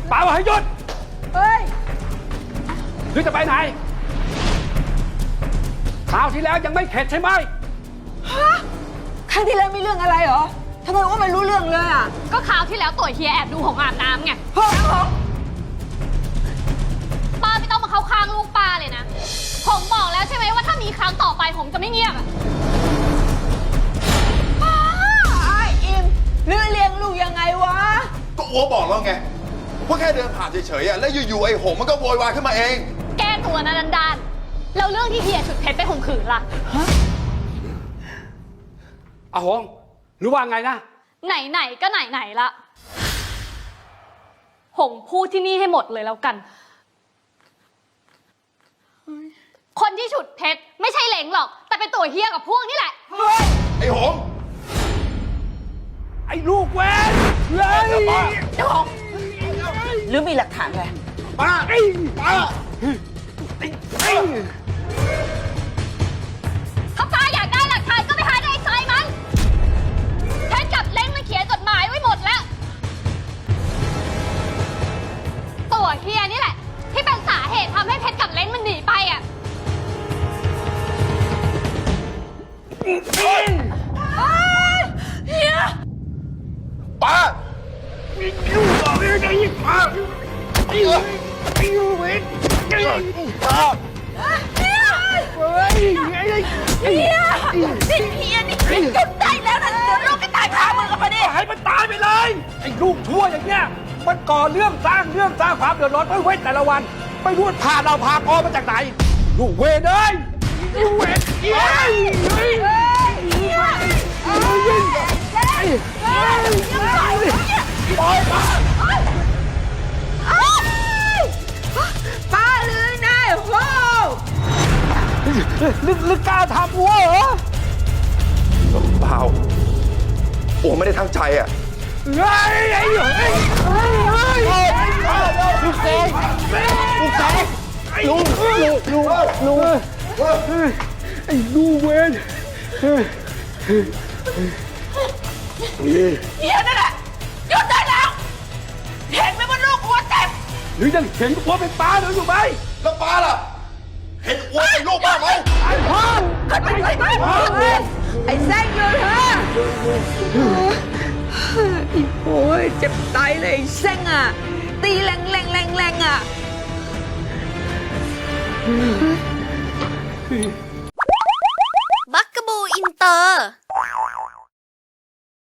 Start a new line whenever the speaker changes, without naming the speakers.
ป้าบอกให้หยุด
เฮ้ย
หรือจะไปไหนคราวที่แล้วยังไม่เข็ดใช่ไหม
ฮะครั้งที่แล้วมีเรื่องอะไรเหรอทำไมว่าไม่รู้เรื่องเลยอ่ะ
ก็คราวที่แล้วตัวเฮียแอบดูหงอาบน้ำไงป้าไม่ต้องมาเข้าข้างลูกป้าเลยนะผมบอกแล้วใช่ไหมว่าถ้ามีครั้งต่อไปผมจะไม่เงียบอ่ะ
ไอ้อิมเรื่องเลี้ยงลูกยังไงวะ
ก็อัวบอกแล้วไงว่าแค่เดินผ่านเฉยๆแล้วอยู่ๆไอ้หงมันก็โวยวายขึ้นมาเอง
แก้ตัวนะดันแล้วเรื่องที่เฮียฉุดเพชรไปข่มขืนล่ะ
อาหงหรือว่าไงนะ
ไหนก็ไหนละหงพูดที่นี่ให้หมดเลยแล้วกันคนที่ฉุดเพชรไม่ใช่เหลงหรอกแต่เป็นตัวเฮียกับพวกนี่แหละ
ไอ้หง
ไอ้ลูกเว้นเลย
เจ้าของหรือมีหลักฐานอะไร
ป้าป้า
ถ้าป้าอยากได้หลักฐานก็ไปหาในใจมันเพชรกับเล้งมันเขียนจดหมายไว้หมดแล้วตัวเฮียนี่แหละที่เป็นสาเหตุทำให้เพชรกับเล้งมันหนีไปอ่ะเฮีย
ป้า
ลูกบอกเลยไงป้าไอ้ลูกเว้นป้า
เฮียนี่หยุดได้แล้วนะเดี๋ยวลูกก็ตายคามือกับมันดิ
ให้มันตายไปเลยไอ้ลูกชั่วอย่างเงี้ยมันก่อเรื่องสร้างความเดือดร้อนไม่เว้นแต่ละวันไม่รู้พาเราพากอมาจากไหนลูกเวนเอ้ยลูกเวนปล่อยมา
ป้าเลยนายโห
ลึกกล้าทำวัวเหรอ
เปล่าโอ้ไม่ได้ทั้งใจอ่ะ
ลูกเสกลูกไอ้ลูกเวน
เฮียนั่นแหละหยุดได้แล้วเห็นไหมว่าลูกหัวเต็ม
หรือยังเห็นวัวเป็นปลาหรืออยู่ไหม
แล้วป้าล่ะเห็นอัวเป็นลูกป้าไหม
ไอ้พ่อ
ไอ้แซงอยู่เถอะอีโอ้ยเจ็บตายเลยไอ้แซงอ่ะตีแรงอ่ะ